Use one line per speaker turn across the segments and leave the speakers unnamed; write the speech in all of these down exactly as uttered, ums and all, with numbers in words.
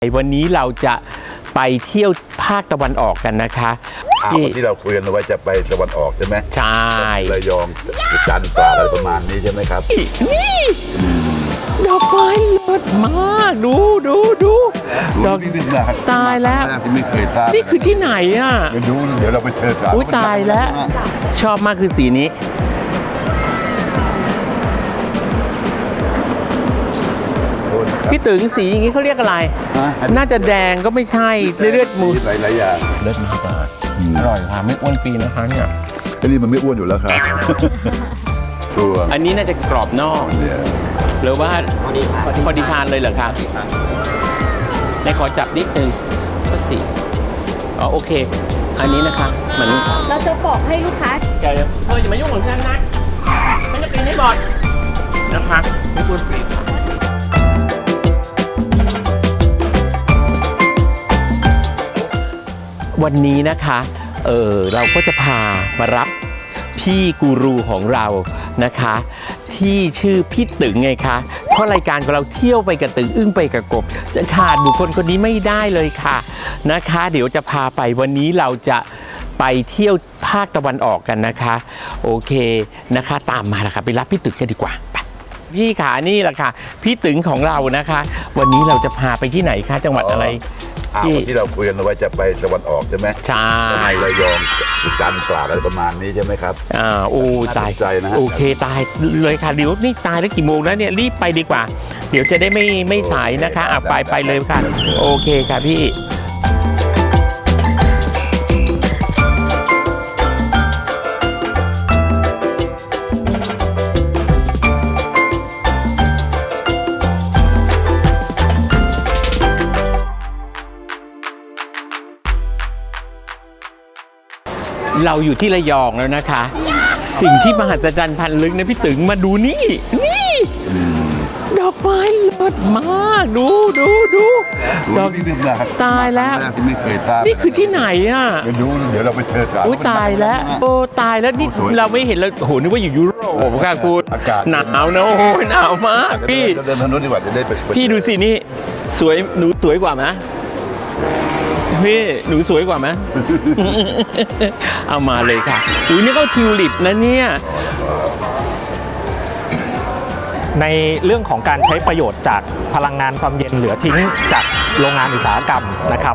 วันนี้เราจะไปเที่ยวภาคตะวันออกกันนะคะ
ที่ที่เราคุยกันไว้จะไปตะวันออกใช่ไหม
ใช่
ระยองจันทร์ตราดอะไรประมาณนี้ใช่ไหมครับ
นี่ดอกไม้เลิศมากดูดูดู
ดอก
ตายแล้ว
ที่ไม่เคยทราบ
นี่คือที่ไหนอ่ะ
เดี๋ยวดูเดี๋ยวเราไปเจอกัน
อุ้ยตายแล้วชอบมากคือสีนี้พี่ตึงสีอย่างนี้เขาเรียกอะไรน่าจะแดงก็ไม่ใช่เลือดมู
หลายๆอย่าง
เลือดมากอร่อยค่ะไม่อ้วนปีนะคะเนี่ย
อันนี้มันไม่อ้วนอยู่แล้วครับชัวร์
อันนี้น่าจะกรอบนอกหรือว่าพอดีทานเลยเหรอคะในขอจับนิดนึงก็สิอ๋อโอเคอันนี้นะคะเหมือน
เราจะบอกให้ลูกค้า
แกเธออย่ามายุ่งของฉันนะฉันจะกินให้หมดนะคะไม่อ้วนปีวันนี้นะคะเออเราก็จะพามารับพี่กูรูของเรานะคะที่ชื่อพี่ตึงไงคะเพราะรายการของเราเที่ยวไปกับตึงอึ้งไปกับกบจะขาดบุคคลคนนี้ไม่ได้เลยค่ะนะคะเดี๋ยวจะพาไปวันนี้เราจะไปเที่ยวภาคตะวันออกกันนะคะโอเคนะคะตามมาละค่ะไปรับพี่ตึงกันดีกว่าพี่ขานี่แหละค่ะพี่ตึงของเรานะคะวันนี้เราจะพาไปที่ไหนคะจังหวัดอะไร
ที่เราคุยกันไว้จะไปตะวันออกใช่ไหม
ใช่
ระยองจันทร์ตราดอะไรประมาณนี้ใช่ไหมครับ
อ่าโอ้ตาย
ใจนะ
โอเคตายเลยค่ะเดี๋ยวนี่ตายแล้วกี่โมงแล้วเนี่ยรีบไปดีกว่าเดี๋ยวจะได้ไม่ไม่สายนะคะอ่ะไปไปเลยค่ะโอเคค่ะพี่เราอยู่ที่ระยองแล้วนะคะสิ่งที่มหัศจรรย์พันลึกนะพี่ตึงมาดูนี่นี่ดอกไม้เลิศมากดูดูดู
ดอก
ตายแล้ว
ที่ไม่เคยทราบ
นี่คือที่ไหนอ่ะ
เดี๋ยวดูเดี๋ยวเราไปเจอกัน
อุ้ยตายแล้วโอ้ตายแล้วนี่เราไม่เห็นเลยโหนึกว่าอยู่ยุโรปค่ะคุณหนาวนะโอ้ยหนาวมากพี่
เดินทางนู้นดีกว่าจะได้ไป
พี่ดูสินี่สวยหนูสวยกว่าไหมพี่หนูสวยกว่าไหมเอามาเลยค่ะอุ้ยนี่ก็ทิวลิปนะเนี่ย
ในเรื่องของการใช้ประโยชน์จากพลังงานความเย็นเหลือทิ้งจากโรงงานอุตสาหกรรมนะครับ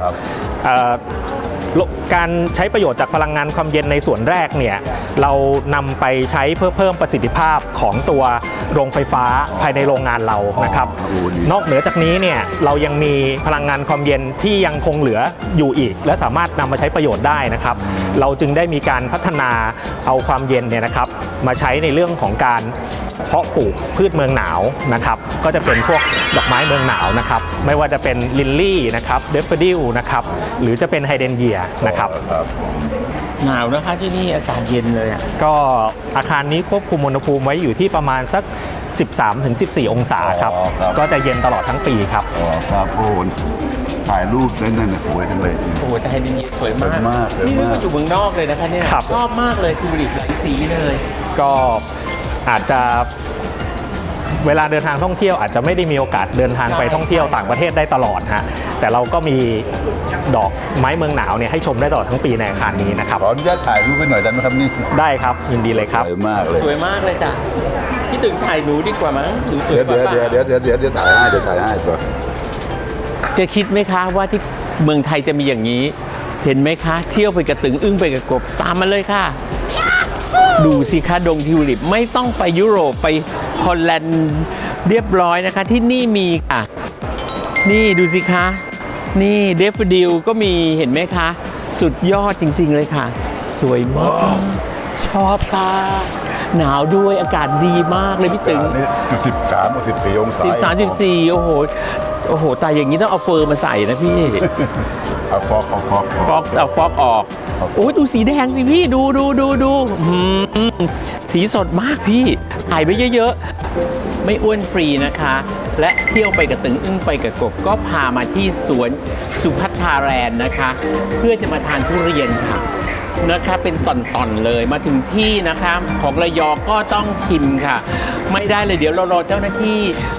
การใช้ประโยชน์จากพลังงานความเย็นในส่วนแรกเนี่ยเรานำไปใช้เพื่อเพิ่มประสิทธิภาพของตัวโรงไฟฟ้าภายในโรงงานเรานะครับนอกเหนือจากนี้เนี่ยเรายังมีพลังงานความเย็นที่ยังคงเหลืออยู่อีกและสามารถนำมาใช้ประโยชน์ได้นะครับเราจึงได้มีการพัฒนาเอาความเย็นเนี่ยนะครับมาใช้ในเรื่องของการเพาะปลูกพืชเมืองหนาวนะครับก็จะเป็นพวกดอกไม้เมืองหนาวนะครับไม่ว่าจะเป็นลิลลี่นะครับเดฟเฟอดิลนะครับหรือจะเป็นไฮเดรนเยียนะครับ
หนาวนะคะที่นี่อากาศเย็นเลยอ่ะ
ก็อาคารนี้ควบคุมอุณหภูมิไว้อยู่ที่ประมาณสัก สิบสามถึงสิบสี่ องศาครับก็จะเย็นตลอดทั้งปีครับ
อ๋อครับโอ้ถ่ายรูปได้นั่นสวยจังเลย
โอ้แต่ไฮเดรนเยียสวยมากนี่มาอยู่เมืองนอกเลยนะคะเนี่ยชอบมากเลยทิวลิปหลายสีเลย
ก็อาจจะเวลาเดินทางท่องเที่ยวอาจจะไม่ได้มีโอกาสเดินทางไปท่องเที่ยวต่างประเทศได้ตลอดฮะแต่เราก็มีดอกไม้เมืองหนาวเนี่ยให้ชมได้ตลอดทั้งปีในอาคารนี้นะครับ
ขออนุญาตถ่ายรูปไปหน่อยได้ไหมครับนี่
ได้ครับยินดีเลยครับ
สวยมากเลย
สวยมากเลยจ้ะพี่ตึงถ่ายหนูดีกว่ามั้งหนูสวยกว่า
เดี๋ยวเดี๋ยวเดี๋ยวเดี๋ยวเดี๋ยวถ่ายให้เดี๋ยวถ่ายให้ตัว
จะคิดไหมคะว่าที่เมืองไทยจะมีอย่างนี้เห็นไหมคะเที่ยวไปกับตึงอึ้งไปกับกบตามมาเลยค่ะดูสิคะดงทิวลิปไม่ต้องไปยุโรปไปฮอลแลนด์เรียบร้อยนะคะที่นี่มีค่ะนี่ดูสิคะนี่เดฟดิลก็มีเห็นไหมคะสุดยอดจริงๆเลยค่ะสวยมากชอบค่ะหนาวด้วยอากาศดีมากเลยพี่ตึง
นี่สิบสามสิบสี่องศา
สิบสามสิบสี่โอ้โหโอ้โหแต่อย่างนี้ต้องเอาเฟอร์มาใส่นะพี่
เอาฟอกเอาฟอก
ฟอกเอาฟอกออกโอ้ยดูสีแดงสิพี่ดูดูดูดูสีสดมากพี่ถ่ายไปเยอะๆไม่อ้วนฟรีนะคะและเที่ยวไปกับตึงอึ้งไปกับกบก็พามาที่สวนสุพัทธาแลนด์นะคะเพื่อจะมาทานทุเรียนค่ะนะคะเป็นตอนๆเลยมาถึงที่นะคะของระยองก็ต้องชิมค่ะไม่ได้เลยเดี๋ยวเรารอเจ้าหน้าที่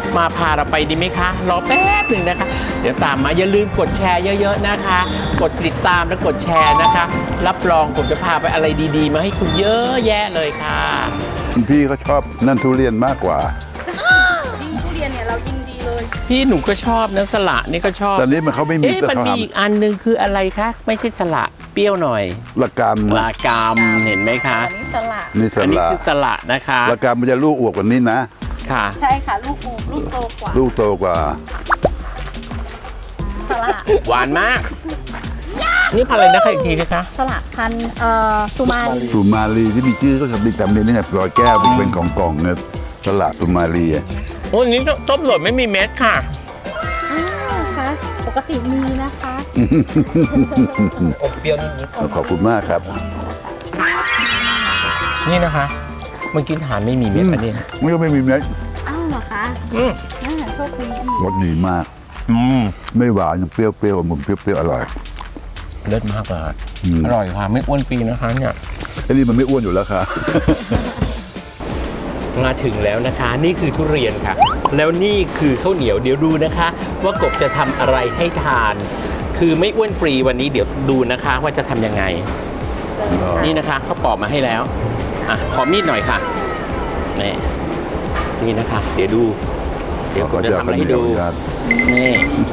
มาพาเราไปดีไหมคะรอแป๊บหนึ่งนะคะ เดี๋ยวตามมาอย่าลืมกดแชร์เยอะๆนะคะ กดติดตามและกดแชร์นะคะ รับรองผมจะพาไปอะไรดีๆ มาให้คุณเยอะแยะเลยค่ะ
คุณพี่เขาชอบนั่นทุเรียนมากกว่า
ยิ่งทุเรียนเนี่ยเรายิ่งดีเลย
พี่หนูก็ชอบนะสละนี่ก็ชอบ
ตอนนี้มันเขาไม่มี
เอ๊ะ
แต่
มัน
เขา
มี
ท
อีกอันหนึงคืออะไรคะไม่ใช่สละเปรี้ยวหน่อย
ำละกาม
ลากามเห็นไหมคะ
อันนี้สลัด
นี่ส
อันนี้
ละ
คือสละนะคะ
ละกามมันจะลูกอวบกว่านี้นะ
ค่ะ
ใช่ค่ะ ลูกอูลูกโตกว่า
ลูกโตกว่า
สลัด
หวานมาก นี่พันธุ์อะไรนะคะอีกทีนะคะ
สลัดพันธุ์เอ่อสุมาลี
สุมาลีที่มีชื่อก็จะมีจำเป็นนี่ไงรอยแก้วเป็นของกล่องเนี่ยสละสุมาลีอะ
โอ้ยนี่ต้มสดไม่มีเม็ดค่ะ
อ้าวค่ะปกติมีนะคะ
อบเปรี้ยวนิด
ขอบคุณมากครับ
ๆนี่นะคะเมื่อกี้ทานไม่มีเม็ดอันนี้นะ
มันก็ไม่มีเม็ด
อ้าวเหรอคะ
อืม
น่าโชคดีอีก
รสดีมาก
อืม
ไม่หวานยังเปรี้ยวเปรี้ยวๆอมเปรี้ยวเปรี้ยวๆอร่อย
เลิศมากเลย
อืม
อร่อยค่ะไม่อ้วนปีนะคะเนี่ย
ไอ้นี่มันไม่อ้วนอยู่แล้วค่ะ
มาถึงแล้วนะคะ นี่คือทุเรียนค่ะ แล้วนี่คือข้าวเหนียวเดี๋ยวดูนะคะ ว่ากบจะทำอะไรให้ทาน คือไม่อ้วนฟรีวันนี้เดี๋ยวดูนะคะว่าจะทำยังไง นี่นะคะเขาปอกมาให้แล้วอ่ะขอมีดหน่อยค่ะนี่นี่นะคะ เดี๋ยวดู เดี๋ยวกบจะทำอะไรให้ดูนี่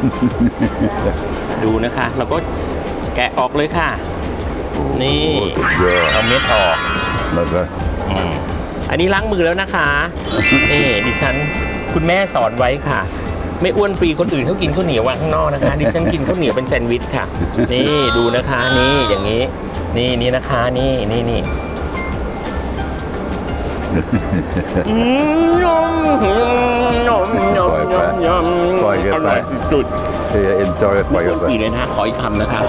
ดูนะคะ เราก็แกะออกเลยค่ะ นี่
โอ้สุดยอด
เอาเม็ดออก
แล้วก็
อืมอันนี้ล้างมือแล้วนะคะ นี่ดิฉันคุณแม่สอนไว้ค่ะ ไม่อ้วนฟรีคนอื่นเขากินข้าวเหนียววางข้างนอกนะคะ ดิฉันกินข้าวเหนียวเป็นแซนด์วิชค่ะ นี่ดูนะคะ นี่อย่างนี้ นี่นี่นะคะ นี่นี่นี่อืมยำยำยำยำยำ
ปล่อยกัน
อ
ไป
ร่อยจุด
เอเอ็นจอยปล่อย
ไม่
กัน
อ้วน
ไป
ฟรีเลยนะขออีกคำนะคะ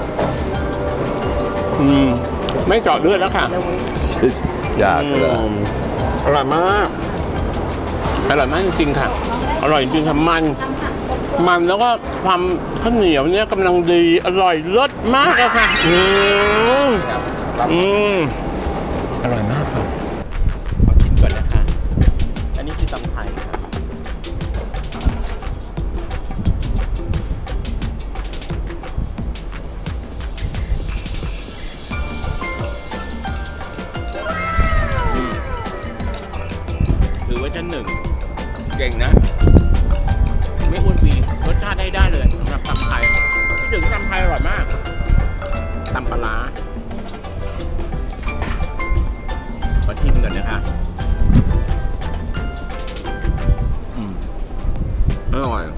อืมไม่เจาะเลือดแล้วค่ะ
ยากเลย
อืมอร่อยมาก อร่อยมากจริงๆค่ะ อร่อยจริงๆค่ะมัน มันแล้วก็ความข้าวเหนียวเนี่ยกำลังดี อร่อยรสมากเลยค่ะ อืมอืมอร่อยมากค่ะขอชิมก่อนนะคะ อันนี้คือตำไทยค่ะถือว่าชั้นหนึ่งเก่งนะ ไม่อ้วนปีรสชาติได้ได้เลยสำหรับตำไทยที่ถึงตำไทยอร่อยมากตำปลาร้าขอชิมก่อนนะคะอืมอร่อย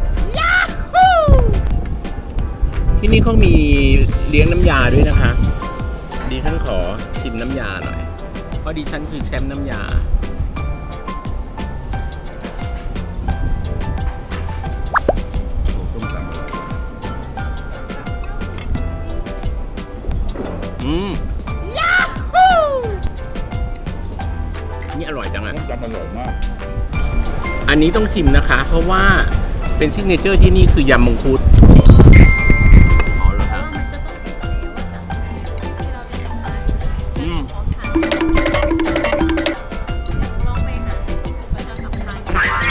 ที่นี่เขามีเลี้ยงน้ำยาด้วยนะคะดิฉันขอชิมน้ำยาหน่อยเพราะดิฉันคือแชมป์น้ำยาอืมนี่อร่อยจังอ่ะ
จำอร่อยมาก
อันนี้ต้องชิมนะคะ เพราะว่าเป็นซิกเนเจอร์ที่นี่คือยำมังคุดอ๋อเหรอครับ
มันจะต้องสุกแล้วอะจ้ะที่เราจะทำได้
อืม
ลองไปหาประชาสัมพันธ์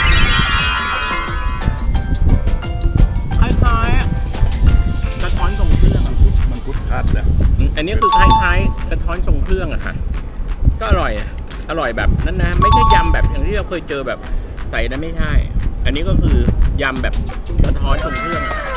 คล้ายๆกระท้อนทรงเครื่องอะ
มันกุดคัดนะ
อันนี้คือคล้ายๆกระท้อนทรงเครื่องอะค่ะ ก็อร่อยอะอร่อยแบบนั้นนะ ไม่ใช่ยำแบบอย่างที่เราเคยเจอแบบใส่นะไม่ใช่ อันนี้ก็คือยำแบบกระท้อนทรงเครื่องอะ